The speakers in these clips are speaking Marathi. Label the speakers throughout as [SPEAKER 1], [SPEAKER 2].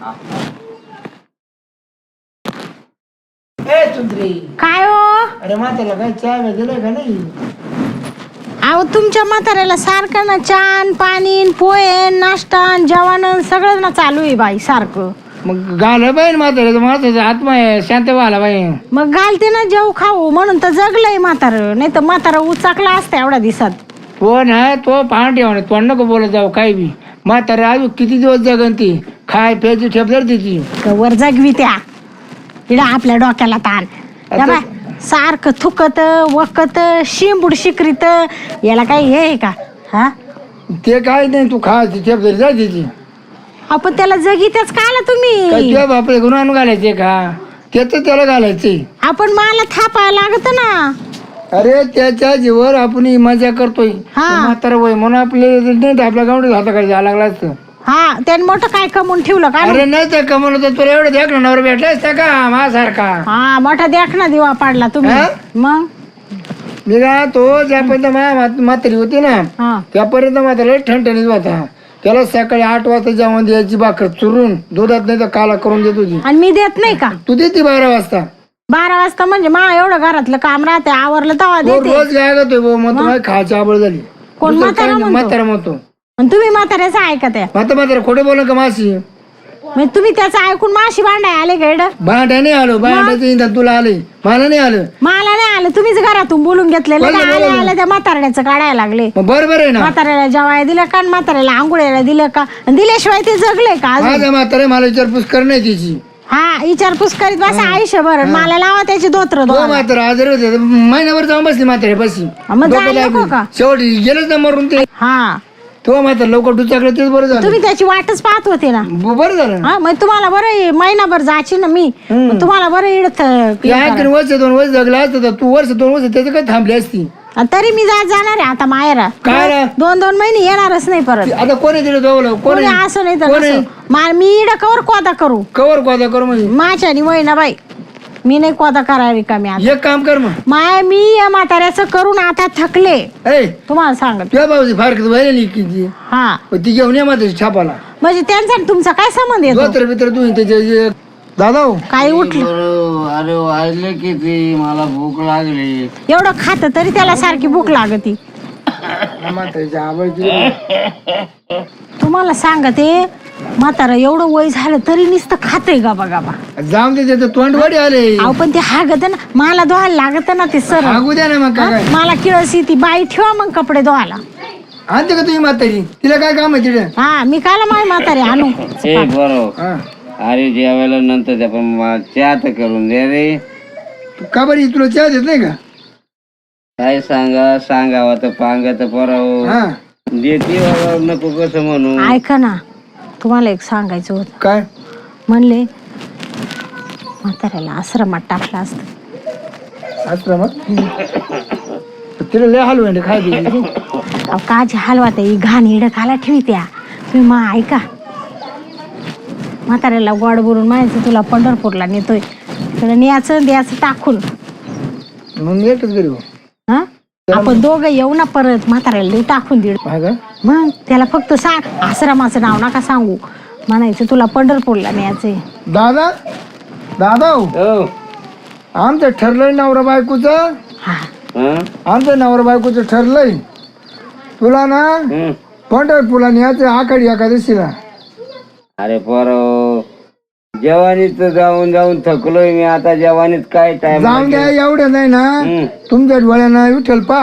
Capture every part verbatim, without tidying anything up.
[SPEAKER 1] ए चुंदरी
[SPEAKER 2] काय हो?
[SPEAKER 1] अरे म्हाताला काय चहा दिलाय का नाही?
[SPEAKER 2] अहो तुमच्या म्हाताऱ्याला सारखं ना चान पाणी पोहे नाश्ता जेवण सगळं ना चालू आहे बाई सारखं.
[SPEAKER 1] मग घाल पाहिजे म्हाताऱ्याचं म्हाताऱ्याचा आत्मा आहे शांत व्हायला पाहिजे.
[SPEAKER 2] मग घालते ना जेव खाऊ म्हणून तर जगलंय म्हातारं, नाही तर म्हातारा उचाकला असतं एवढ्या दिवसात.
[SPEAKER 1] तो ना तो पाहण ठेवा तो नको बोलत जाऊ काही बी. म्हातारा अजून किती दिवस जगन ती खाय प्यायची ठेप जर तिची
[SPEAKER 2] वर जगवी त्या इडा आपल्या डोक्याला ताण. या बाय सारखं थुकत वकत शिंबूड शिकरीत याला काही हे आहे का? हा
[SPEAKER 1] ते काय नाही तू खायची ठेप जरी जा तिची.
[SPEAKER 2] आपण त्याला जगीतच का आला
[SPEAKER 1] काय
[SPEAKER 2] तुम्ही?
[SPEAKER 1] तुझ्या बापरे गुन्हा घालायचे का? त्याच त्याला घालायचे.
[SPEAKER 2] आपण मला थापायला लागत ना.
[SPEAKER 1] अरे त्याच्या जीवर आपण ही मजा करतोय.
[SPEAKER 2] हा.
[SPEAKER 1] म्हातारा वय म्हणून आपले नाही आपल्या गावडीत हाताकडे जायला लागला असतं.
[SPEAKER 2] हा त्याने मोठं काय कमवून ठेवलं का?
[SPEAKER 1] अरे नाही तर कमवलं तर तुला एवढं देख नवर भेटला असता का माझ्यासारखा?
[SPEAKER 2] हा मोठा देख ना दिवा पाडला तुम्ही.
[SPEAKER 1] हा?
[SPEAKER 2] मग
[SPEAKER 1] मी का तो ज्यापर्यंत मा म्हातारी होती ना
[SPEAKER 2] हा
[SPEAKER 1] त्यापर्यंत म्हातारा ठणठणीत होता. त्याला सकाळी आठ वाजता जेवण द्यायची भाकर चुरून दुधात नाही तर काला करून देत होती.
[SPEAKER 2] आणि मी देत नाही का?
[SPEAKER 1] तू देते बारा वाजता.
[SPEAKER 2] बारा वाजता म्हणजे मा एवढं घरातलं काम राहते आवरलं तेव्हा
[SPEAKER 1] तो
[SPEAKER 2] देते.
[SPEAKER 1] रोज काय करतोय भाऊ मग तुम्हाला खायची आवड झाली.
[SPEAKER 2] कोण
[SPEAKER 1] दुसरं
[SPEAKER 2] म्हातारा
[SPEAKER 1] काही नाही,
[SPEAKER 2] म्हणतो?
[SPEAKER 1] म्हातारा म्हणतो.
[SPEAKER 2] आणि तुम्ही म्हाताऱ्याचं ऐकत आहे
[SPEAKER 1] म्हाता म्हातारा खोटे बोल का माशी?
[SPEAKER 2] म्हणजे तुम्ही त्याचं ऐकून माशी भांडाय आले का इकडं?
[SPEAKER 1] भांड्या नाही आलो भांड्याचं इंधन तुला आले मला नाही आलं.
[SPEAKER 2] मला नाही आलं तुम्हीच घरातून बोलून घेतलेलं
[SPEAKER 1] बोलले,
[SPEAKER 2] का? आले
[SPEAKER 1] बोलले.
[SPEAKER 2] आले त्या म्हाताऱ्याचं काढायला लागले.
[SPEAKER 1] मग बरोबर आहे ना.
[SPEAKER 2] म्हाताऱ्याला जेवायला दिलं का आणि म्हाताऱ्याला आंघोळ्याला दिलं का? आणि दिल्याशिवाय ते जगले का अजून?
[SPEAKER 1] माझ्या म्हातारे मला विचारपूस करणे तिची.
[SPEAKER 2] हा विचारपूस करीत बसा आयुष्यभर. मला लावा त्याची धोत्र
[SPEAKER 1] तो
[SPEAKER 2] धुवायला.
[SPEAKER 1] म्हातारा आजारी होते महिन्याभर जाऊन बसली म्हातारे बसी.
[SPEAKER 2] मग जायला नको का?
[SPEAKER 1] शेवटी गेलंच ना मरून ते.
[SPEAKER 2] हा
[SPEAKER 1] तो म्हातारा लवकर डुचाकलं तेच बरं झालं.
[SPEAKER 2] तुम्ही त्याची वाटच पाहत होते ना.
[SPEAKER 1] ब- बरं झालं ना.
[SPEAKER 2] हा मग तुम्हाला बरं आहे, महिनाभर जायची ना मी. मग तुम्हाला बरं इडत
[SPEAKER 1] या ऐकून वर्ष दोन वर्ष जगला असतं तर तू वर्ष दोन वर्ष त्याचं काय थांबली असती.
[SPEAKER 2] तरी मी जात जाणार आहे आता मायरा.
[SPEAKER 1] काय रे?
[SPEAKER 2] दोन दोन महिने येणारच नाही परत.
[SPEAKER 1] आता कोणी दिलं जवळ कोणी
[SPEAKER 2] कोणी असं नाही तर
[SPEAKER 1] कोणी?
[SPEAKER 2] नसं. मा- मी इड कवर कोदा करू
[SPEAKER 1] कवर कोदा कर म्हणजे
[SPEAKER 2] माझ्या आणि वय ना बाई. मी नाही कोदा करायला का मी आता.
[SPEAKER 1] एक काम कर मग
[SPEAKER 2] माय मी या म्हाताऱ्याचं करून आता थकले
[SPEAKER 1] ए
[SPEAKER 2] तुम्हाला सांगत.
[SPEAKER 1] तुझ्या भाऊची फारकत व्हायला किती
[SPEAKER 2] हा
[SPEAKER 1] ती घेऊन ये माझ्या छापाला
[SPEAKER 2] म्हणजे त्यांचा आणि तुमचा काय संबंध येतो?
[SPEAKER 1] दोतर बितर तू त्याचे दादा हो.
[SPEAKER 2] काही उठलं
[SPEAKER 3] अरे वाजले किती मला भूक लागली.
[SPEAKER 2] एवढं खात तरी त्याला सारखी भूक लागती.
[SPEAKER 1] म्हातारीची आवडती
[SPEAKER 2] तुम्हाला सांगते म्हातारा एवढं वय झालं तरी नुसतं खाते गाबा गाबा.
[SPEAKER 1] जाऊन दे त्याचं तोंड वडी आले.
[SPEAKER 2] अहो पण ते हागत ना मला धुवायला लागत ना ते सर.
[SPEAKER 1] सांगू द्या ना मग काय
[SPEAKER 2] मला किळस ती बाई ठेवा मग कपडे धुवायला.
[SPEAKER 1] आणते का तुझी म्हातारी तिला काय काम आहे तिथे?
[SPEAKER 2] हा मी काला माय म्हातारे आणू.
[SPEAKER 3] ए बरोबर.
[SPEAKER 1] हा.
[SPEAKER 3] अरे जेवायला नंतर द्या पण मला चहा तर करून द्या रे.
[SPEAKER 1] तू का बरी तुला चहा देत नाही का?
[SPEAKER 3] काय सांगा सांगावं तर पांगा तर पराव
[SPEAKER 1] हा
[SPEAKER 3] देते बाबा नको कसं म्हणू.
[SPEAKER 2] ऐका ना तुम्हाला एक सांगायचं होतं.
[SPEAKER 1] काय
[SPEAKER 2] म्हणले म्हाताऱ्याला आश्रमात टाकलं असतं.
[SPEAKER 1] आश्रमात तिला लय हलवंड खाय दिली.
[SPEAKER 2] अहो काची हलवा त्या घाण इड खाला ठेवी त्या. तुम्ही मा ऐका म्हाताऱ्याला गोड बोलून म्हणायचं तुला पंढरपूरला नेतोय तिकडे न्यायचं द्यायचं टाकून.
[SPEAKER 1] मग मी एकच घरी हो.
[SPEAKER 2] हा आपण दोघं येऊ ना परत म्हाताऱ्याला देऊ टाकून दीड.
[SPEAKER 1] हा का?
[SPEAKER 2] मग त्याला फक्त सांग आश्रमाचं नाव नका सांगू म्हणायचं तुला पंढरपूरला न्यायचंय.
[SPEAKER 1] दादा दादा हो
[SPEAKER 3] हो.
[SPEAKER 1] आमचं ठरलंय नवरा बायकोचं.
[SPEAKER 2] हा
[SPEAKER 3] हं?
[SPEAKER 1] आमचं नवरा बायकोचं ठरलंय तुला ना
[SPEAKER 3] हं.
[SPEAKER 1] पंढरपूरला न्यायचं आखाडी एकादशीला.
[SPEAKER 3] अरे पराव जवानीत जाऊन जाऊन थकलोय मी आता. जवानीत काय टाइम
[SPEAKER 1] जाऊन द्या एवढं नाही ना तुमच्या डोळ्यानं विठ्ठल पा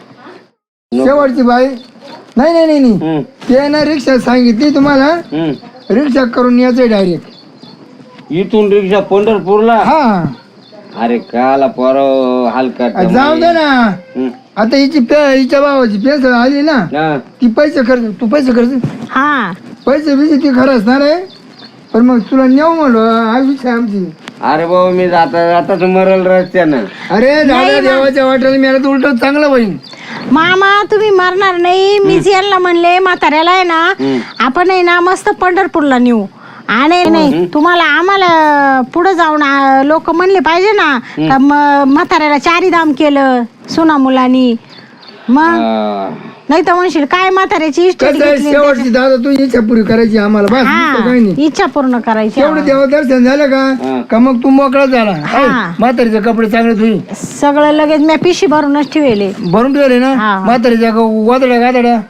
[SPEAKER 1] शेवटची बाई नाही नाही नाही नाही ते ना रिक्षा सांगितली तुम्हाला रिक्षा करून यायचंय डायरेक्ट
[SPEAKER 3] इथून रिक्षा पंढरपूरला.
[SPEAKER 1] हा
[SPEAKER 3] अरे काला पराव हलका
[SPEAKER 1] जाऊ दे ना. आता हिची पे हिच्या भावाची पेन्सिल आली ना ती पैसे खर्च तू पैसे खर्च
[SPEAKER 2] हा
[SPEAKER 1] पैसे बिसे ती खरं असणार आहे पण मग तुला नेऊ म्हणलो हा विषय आमची.
[SPEAKER 3] अरे बाबा मी जाता जाताच मरल रस्त्यानं.
[SPEAKER 1] अरे दादा देवाच्या वाटेला मिळालं तर उलट चांगलं होईल.
[SPEAKER 2] मामा तुम्ही मरणार नाही. मीच यांना म्हणले म्हाताऱ्याला आहे ना आपण आहे ना मस्त पंढरपूरला नेऊ. आणि नाही तुम्हाला आम्हाला पुढे जाऊन लोक म्हणले पाहिजे ना का म्हाताऱ्याला चारी धाम केलं सुना मुलांनी. मग नाही तर म्हणशील काय म्हाताऱ्याची इष्ट
[SPEAKER 1] कसं आहे शेवटची दादा तू इच्छा पुरी करायची आम्हाला बस दुसरं काही नाही.
[SPEAKER 2] इच्छा पूर्ण करायची
[SPEAKER 1] तेवढं देवा दर्शन झालं का का मग तू मोकळा झाला
[SPEAKER 2] हा.
[SPEAKER 1] म्हातारीचे कपडे चांगले तुझी
[SPEAKER 2] सगळं लगेच मी पिशी भरूनच ठेवले.
[SPEAKER 1] भरून ठेवले ना
[SPEAKER 2] हा.
[SPEAKER 1] म्हातारीच्या वादड्या गादड्या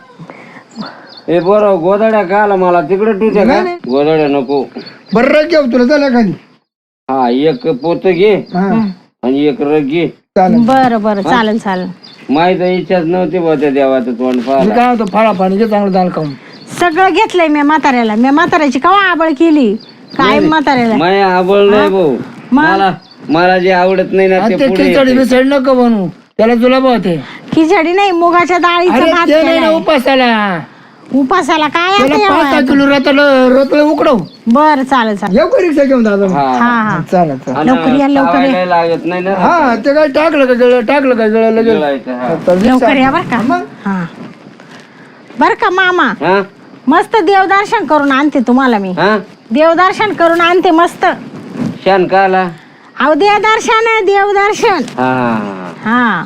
[SPEAKER 3] हे बरं गोदाड्या का आला मला तिकडे टुट्या का गोदाड्या नको.
[SPEAKER 1] बरं रग घेऊ तुला झालं खाली
[SPEAKER 3] हा एक पोत घे
[SPEAKER 1] हा
[SPEAKER 3] आणि एक रग घे.
[SPEAKER 1] चालेल
[SPEAKER 2] बरं बरं चालेल चालेल.
[SPEAKER 3] माहित इच्छाच नव्हती बा त्या देवाचं तोंड
[SPEAKER 1] मी
[SPEAKER 3] पाहायला.
[SPEAKER 1] काय होतो फाळा पाणी घे चांगलं दाल खाऊन
[SPEAKER 2] सगळं घेतलंय मी म्हाताऱ्याला मी म्हाताऱ्याची कवा आबळ केली काय म्हाताऱ्याला
[SPEAKER 3] माय आबळ नाही भाऊ मला मला जे आवडत नाही ना ते
[SPEAKER 1] ते
[SPEAKER 3] पुढे
[SPEAKER 1] खिचडी बिचडी नको बनवू त्याला तुला होते
[SPEAKER 2] खिचडी नाही मुगाच्या डाळीचा
[SPEAKER 1] अरे
[SPEAKER 2] भात
[SPEAKER 1] ते नाही ना
[SPEAKER 2] केलाय.
[SPEAKER 1] उपासाला
[SPEAKER 2] उपासाला काय
[SPEAKER 1] त्याला
[SPEAKER 2] आता
[SPEAKER 1] पाच सहा
[SPEAKER 2] एवढं?
[SPEAKER 1] किलो रताळ रताळ उकडव
[SPEAKER 2] बरं चालेल चालेल.
[SPEAKER 1] येऊ का रिक्षा घेऊन दादा
[SPEAKER 3] हा
[SPEAKER 2] हा हा
[SPEAKER 1] चालेल चालेल
[SPEAKER 3] आणि
[SPEAKER 2] लवकर या, लवकर या.
[SPEAKER 3] चावायला लागत नाही ना
[SPEAKER 1] हा ते काय टाकलं का गळ टाकलं का गळ लगेच
[SPEAKER 3] गिळायचं, हा.
[SPEAKER 1] तर रिक्षा-
[SPEAKER 2] लवकर या बर का
[SPEAKER 1] मग?
[SPEAKER 2] हा बर का मामा
[SPEAKER 3] हा
[SPEAKER 2] मस्त देवदर्शन करून आणते तुम्हाला मी
[SPEAKER 3] हा
[SPEAKER 2] देवदर्शन करून आणते मस्त.
[SPEAKER 3] शान का आला
[SPEAKER 2] अहो देवदर्शन आहे देवदर्शन.
[SPEAKER 3] हा
[SPEAKER 2] हा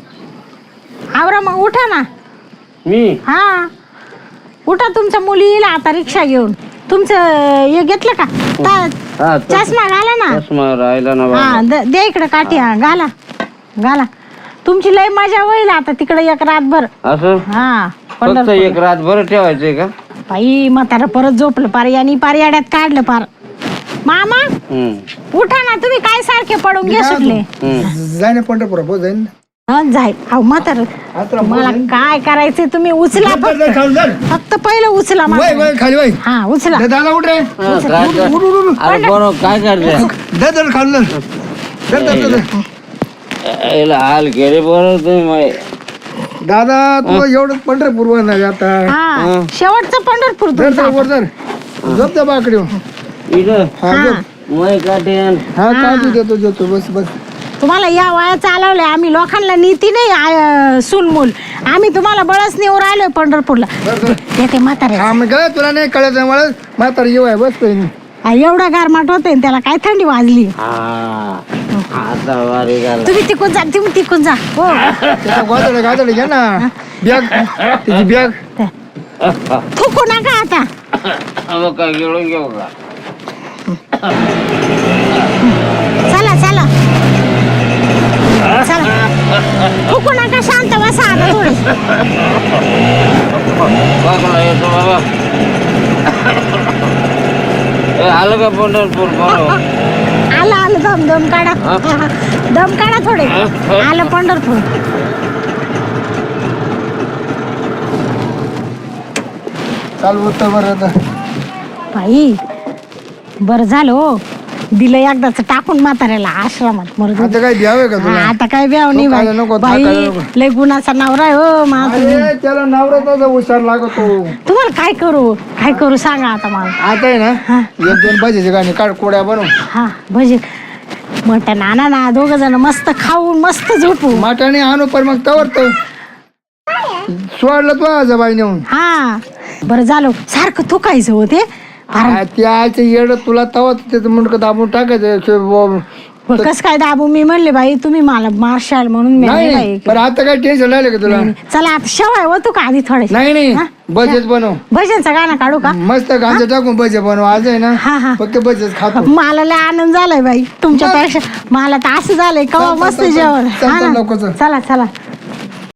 [SPEAKER 2] आवरा मग उठा ना.
[SPEAKER 3] मी
[SPEAKER 2] हा उठा तुमच्या मुली येईल आता रिक्षा घेऊन. तुमचं हे घेतलं का ता-
[SPEAKER 3] हा तो
[SPEAKER 2] चष्मा घाला ना.
[SPEAKER 3] चष्मा राहिला ना
[SPEAKER 2] हा
[SPEAKER 3] बाबा.
[SPEAKER 2] द- दे इकडे काठी हा घाला घाला. तुमची लय मजा होईल आता तिकडे एक रातभर.
[SPEAKER 3] असं
[SPEAKER 2] हा
[SPEAKER 3] फक्त
[SPEAKER 2] पंढरपूर.
[SPEAKER 3] एक रात बरं ठेवायचंय का
[SPEAKER 2] बाई म्हातारं परत झोपलं पार यांनी पार याड्यात काढलं पार. मामा
[SPEAKER 3] हम्म
[SPEAKER 2] उठा ना तुम्ही काय सारखे पडून
[SPEAKER 1] मी
[SPEAKER 2] घे
[SPEAKER 1] काय
[SPEAKER 2] सुटले.
[SPEAKER 3] हम्म
[SPEAKER 1] जाय ना पंढरपूर हो जाईन
[SPEAKER 2] हं, जाय अहो म्हातार
[SPEAKER 1] आता
[SPEAKER 2] मला काय करायचंय तुम्ही उचला फक्त
[SPEAKER 1] खाली जा.
[SPEAKER 2] फक्त पहिलं उचला
[SPEAKER 1] वय
[SPEAKER 2] म्हातारं.
[SPEAKER 1] वय खाली वय
[SPEAKER 2] हा उचला.
[SPEAKER 1] दे दादा उठ रे
[SPEAKER 3] हा, काय कर-
[SPEAKER 1] उठ, उठ, उठ.
[SPEAKER 3] अरे बरोबर काय करते
[SPEAKER 1] दे दे खाली दे. दे, दे, दे, दे.
[SPEAKER 3] याला हाल केले बरोबर तुम्ही माय.
[SPEAKER 1] दादा तू एवढं पंढरपूर वर नाही आता
[SPEAKER 2] हा शेवटचं पंढरपूर
[SPEAKER 1] दर
[SPEAKER 2] तुमचं.
[SPEAKER 1] दर वर दर झोप त्या बाकडे
[SPEAKER 3] इथं
[SPEAKER 1] हा
[SPEAKER 2] हा.
[SPEAKER 1] झोप.
[SPEAKER 3] मै काठेन
[SPEAKER 1] हा काढू देतो देतो बस बस
[SPEAKER 2] तुम्हाला या वया चालवलंय आम्ही लोकांना नीती नाही आय- सूनमूल आम्ही तुम्हाला बळच नेऊ राहिलोय पंढरपूरला.
[SPEAKER 1] बर बर
[SPEAKER 2] येते म्हातारे
[SPEAKER 1] हा मग काय तुला नाही कळत मला म्हातारा येऊ आहे बस काही नाही
[SPEAKER 2] एवढा गारमाट होतोय त्याला काय थंडी वाजली.
[SPEAKER 3] हा आता वारी झाला
[SPEAKER 2] तुम्ही तिकून जा तुम्ही तिकून जा हो.
[SPEAKER 1] त्याला गादडे गादडे घ्या ना बॅग त्याची बॅग
[SPEAKER 2] थुकू नका आता.
[SPEAKER 3] मग काय गिळून घेऊ का
[SPEAKER 2] चला चला चला थुकू नका शांत बसा आता थोडं.
[SPEAKER 3] बघा येतो बाबा ए, आलं का पंढरपूर बरोबर
[SPEAKER 2] आलं आलं दम दम काढा दम काढा थोडे. आलं पंढरपूर.
[SPEAKER 1] चालू होतं बरं आता
[SPEAKER 2] बाई बरं झालं हो दिलं एकदाच टाकून म्हाताऱ्याला आश्रमात मरू दे.
[SPEAKER 1] आता काय द्यावे का
[SPEAKER 2] हा,
[SPEAKER 1] तुला
[SPEAKER 2] आता काय ब्याव नाही
[SPEAKER 1] तो खायला नको,
[SPEAKER 2] बाई
[SPEAKER 1] तो
[SPEAKER 2] बाई
[SPEAKER 1] खायला नको.
[SPEAKER 2] लय गुणाचा नवरा आहे हो माझा तुम्ही.
[SPEAKER 1] अरे त्याला नवऱ्याचा हुशार लागतो
[SPEAKER 2] तुम्हाला काय करू काय करू सांगा आता मला.
[SPEAKER 1] आता आहे ना एक दोन भाजीचे गाणे काढ कोड्या बनव
[SPEAKER 2] हा भजे मटण आणा ना दोघ जण मस्त खाऊन मस्त झोपू.
[SPEAKER 1] माटाने आणू पण मग तवर तर सोडलं तू आज बाई नेऊन
[SPEAKER 2] हा बरं झालं सारखं थुकायचं होते.
[SPEAKER 1] त्या आईचं येड तुला तवा त्याचं मुंडकं दाबून टाकायचं शे- ब-
[SPEAKER 2] कस काय दाबू मी म्हणले बाई तुम्ही मला मारशाल म्हणून मी
[SPEAKER 1] नाही
[SPEAKER 2] नाही
[SPEAKER 1] नाही
[SPEAKER 2] बाई.
[SPEAKER 1] पण आता काय टेन्शन राहिलं का तुला
[SPEAKER 2] चला आता शेवाय होतो का आधी थोडे
[SPEAKER 1] नाही नाही
[SPEAKER 2] हा?
[SPEAKER 1] बजेट बनव
[SPEAKER 2] भजनचं गाणं काढू का.
[SPEAKER 1] मस्त गांजा टाकून बजे बनव आज आहे ना
[SPEAKER 2] हा हा
[SPEAKER 1] फक्त बजेट खातो
[SPEAKER 2] मला लय आनंद झालाय बाई तुमच्यापेक्षा. मला तर असं झालंय कवा
[SPEAKER 1] चल, चल,
[SPEAKER 2] मस्त
[SPEAKER 1] चल, चल.
[SPEAKER 2] जेवण.
[SPEAKER 1] चल,
[SPEAKER 2] हा
[SPEAKER 1] चल,
[SPEAKER 2] ना?
[SPEAKER 1] लवकर चल.
[SPEAKER 2] चला चला